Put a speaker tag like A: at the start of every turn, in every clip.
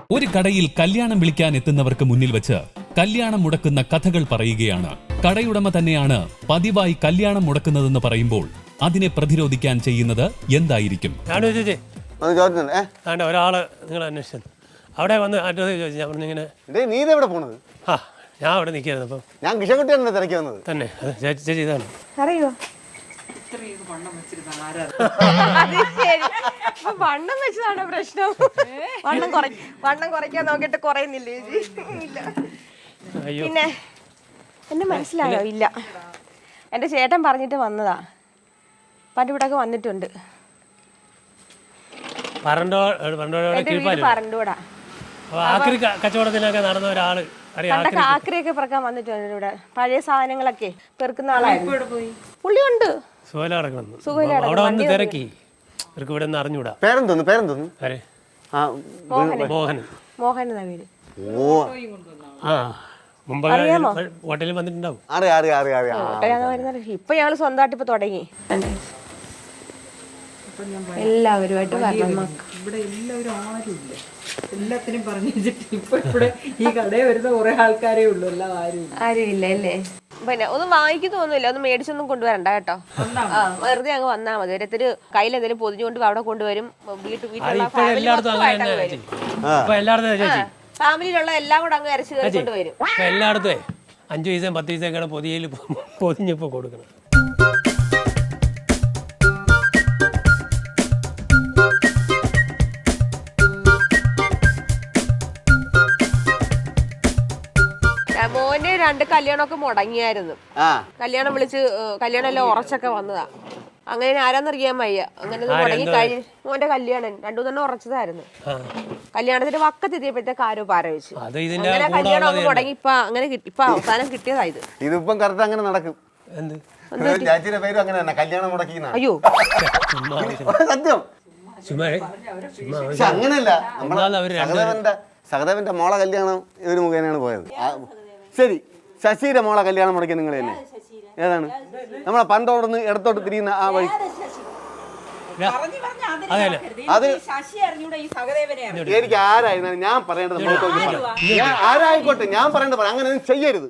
A: ഒരു കടയിൽ കല്യാണം വിളിക്കാൻ എത്തുന്നവർക്ക് മുന്നിൽ വെച്ച് കല്യാണം മുടക്കുന്ന കഥകൾ പറയുകയാണ്. കടയുടമ തന്നെയാണ് പതിവായി കല്യാണം മുടക്കുന്നതെന്ന് പറയുമ്പോൾ അതിനെ പ്രതിരോധിക്കാൻ ചെയ്യുന്നത് എന്തായിരിക്കും?
B: ഒരാള് നിങ്ങൾ അന്വേഷിച്ചു അവിടെ വന്ന് അഡ്രസ് ചോദിച്ചു. ഇങ്ങനെ
C: നീ ഇതെവിടെ പോണത്?
B: ആ ഞാൻ അവിടെ നിൽക്കായിരുന്നു. അപ്പം
C: ഞാൻ കിഷൻകുട്ടിയാണ് തിരക്കി വന്നത്.
B: തന്നെ ചേച്ചി ഇതാണ്.
D: അറിയോ വണ്ണം വെച്ചതാണോ പ്രശ്നം? വണ്ണം കുറയ്ക്കാൻ നോക്കിട്ട് കുറയുന്നില്ലേ? പിന്നെ എന്നെ മനസ്സിലായോ? ഇല്ല, എന്റെ ചേട്ടൻ പറഞ്ഞിട്ട് വന്നതാ. പണ്ടിവിടൊക്കെ വന്നിട്ടുണ്ട്. പറണ്ടൂടാ
B: കച്ചവടത്തിനൊക്കെ നടന്ന ഒരാള്
D: ആക്രിയൊക്കെ പെറുക്കാൻ വന്നിട്ടുണ്ട് ഇവിടെ. പഴയ സാധനങ്ങളൊക്കെ പെറുക്കുന്ന ആളായിരുന്നു. പുള്ളിയുണ്ട്.
B: തിരക്കി ഇവിടെ നിന്ന് അറിഞ്ഞൂടാ.
C: പേരെന്തോന്നു?
D: മോഹൻ എന്നാ പേര്.
B: മുമ്പ് ഹോട്ടലിൽ വന്നിട്ടുണ്ടാവും.
D: ഇപ്പൊ ഞങ്ങള് സ്വന്തമായിട്ട് ഇപ്പൊ തുടങ്ങി. എല്ലാവരുമായിട്ട്
E: ഇവിടെ എല്ലാവരും ആരുമില്ല, എല്ലാത്തിനും പറഞ്ഞു വെച്ചിട്ട് ഇപ്പൊ ഇവിടെ ഈ കടയിൽ വരുന്ന കുറെ ആൾക്കാരേ ഉള്ളൂ. എല്ലാം
D: ആരുമില്ല അല്ലേ? പിന്നെ ഒന്നും വാങ്ങിക്കുന്നൊന്നുമില്ല, ഒന്നും മേടിച്ചൊന്നും കൊണ്ടുവരണ്ട കേട്ടോ. വെറുതെ അങ്ങ് വന്നാ മതി. ഒരൊരു കയ്യിൽ എന്തെങ്കിലും പൊതിഞ്ഞുകൊണ്ട് അവിടെ കൊണ്ടുവരും. ഫാമിലിയിലുള്ള എല്ലാം കൂടെ അങ്ങ് അരച്ച് കൊണ്ടുവരും.
B: എല്ലായിടത്തും 5 പൈസയും 10 പൈസയൊക്കെയാണ് പൊതിയിൽ പൊതിഞ്ഞിപ്പോ കൊടുക്കണം.
D: മോന്റെ 2 കല്യാണമൊക്കെ മുടങ്ങിയായിരുന്നു. കല്യാണം വിളിച്ച് കല്യാണം എല്ലാം ഉറച്ചൊക്കെ വന്നതാ. അങ്ങനെ ആരാന്നറിയാൻ വയ്യ. അങ്ങനെ മുടങ്ങി കഴിഞ്ഞ് മോന്റെ കല്യാണം 2-3 ഉറച്ചതായിരുന്നു. കല്യാണത്തിന്റെ വക്കത്തെത്തിയപ്പോഴത്തേക്ക് ആരോ പാര വെച്ചു. അങ്ങനെ കല്യാണം ഒക്കെ മുടങ്ങി. ഇപ്പൊ അവസാനം കിട്ടിയതായത്.
C: ഇതിപ്പം കറക്റ്റ് അങ്ങനെ നടക്കും.
D: അയ്യോ
C: സത്യം അങ്ങനെയല്ല. സഹദേവന്റെ മോളെ കല്യാണം ഇവര് മുഖേനയാണ് പോയത്. ശരി, ശശിയുടെ മോളെ കല്യാണം മുടക്കി നിങ്ങൾ തന്നെ. ഏതാണ്? നമ്മളെ പണ്ടോടുന്ന് ഇടത്തോട്ട് തിരിയുന്ന ആ വഴി. അത് എനിക്ക് ആരായിരുന്നാലും ഞാൻ പറയേണ്ടത് ആരായിക്കോട്ടെ, ഞാൻ പറയേണ്ടത് പറയാം. അങ്ങനെ ഒന്നും ചെയ്യരുത്.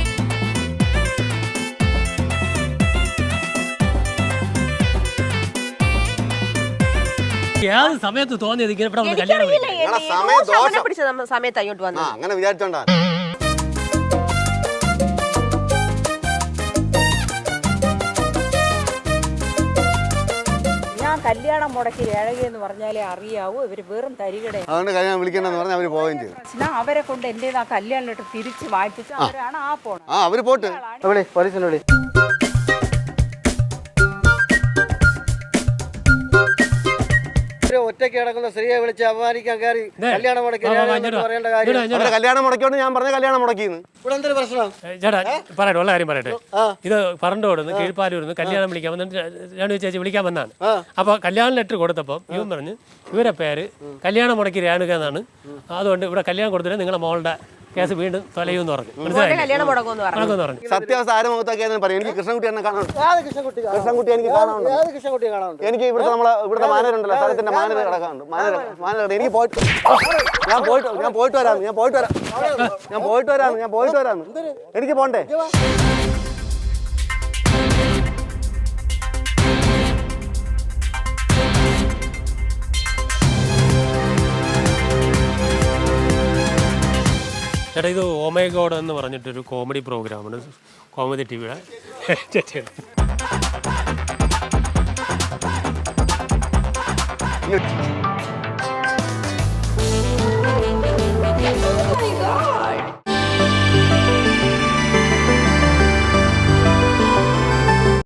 B: സമയത്ത് തോന്നിയത്
D: സമയത്ത് അങ്ങോട്ട് വന്നു.
C: അങ്ങനെ വിചാരിച്ചോണ്ടാ.
E: കല്യാണം മുടക്കി ഏഴകയെന്ന് പറഞ്ഞാലേ അറിയാവൂ. ഇവര് വെറും തരികട.
C: അതുകൊണ്ട് കല്യാണം വിളിക്കണ്ടെന്ന് പറഞ്ഞാൽ അവര് പോവുകയും ചെയ്തു.
E: അവരെ കൊണ്ട് എന്റെ ആ കല്യാണം തിരിച്ച് വായിപ്പിച്ചു. അവരാണ് ആ പോണം.
C: അവര് പോട്ട് പോലീസിനെ വിളി. ഒറ്റയ്ക്ക് കിടക്കുന്ന സ്ത്രീയെ വിളിച്ച് അപമാനിക്കാൻ കയറി കല്യാണം മുടക്കി പറയേണ്ട കാര്യം. കല്യാണം മുടക്കിയോണ്ട് ഞാൻ പറഞ്ഞ കല്യാണം മുടക്കിന്ന്. ഇവിടെ എന്തൊരു പ്രശ്നം?
B: ചേട്ടാ പറയട്ടെ, ഉള്ള കാര്യം പറയട്ടെ. ഇത് പറണ്ടോടുന്ന് കീഴ്പ്പാലൂർന്ന് കല്യാണം വിളിക്കാൻ വന്നിട്ട് രേണു ചേച്ചി വിളിക്കാൻ വന്നാണ്. അപ്പൊ കല്യാണ ലെറ്റർ കൊടുത്തപ്പോൾ ഇവൻ പറഞ്ഞു ഇവരെ പേര് കല്യാണം മുടക്കി രേണുക എന്നാണ്. അതുകൊണ്ട് ഇവിടെ കല്യാണം കൊടുത്തിട്ട് നിങ്ങളെ മോളുടെ കേസ് വീണ്ടും തൊലയൂന്ന് പറഞ്ഞു.
C: സത്യാവസ്ഥ ആരും മുഖത്തൊക്കെ പറയും. എനിക്ക് കൃഷ്ണൻകുട്ടി എന്നെ കാണാനുണ്ട്. കൃഷ്ണൻകുട്ടി എനിക്ക് കാണാനുണ്ട്. എനിക്ക് ഇവിടുത്തെ നമ്മളെ ഇവിടുത്തെ മാനേജറുണ്ടല്ലോ, സ്ഥലത്തിന്റെ മാനേജർ കിടക്കാനുണ്ട്. മാനേജർ എനിക്ക് ഞാൻ പോയിട്ട് വരാം. എനിക്ക് പോണ്ടേ?
B: ചേട്ടാ ഇത് ഓ മൈ ഗോഡ് എന്ന് പറഞ്ഞിട്ടൊരു കോമഡി പ്രോഗ്രാമാണ് കോമഡി ടിവിയുടെ. ചേച്ചിയാണ്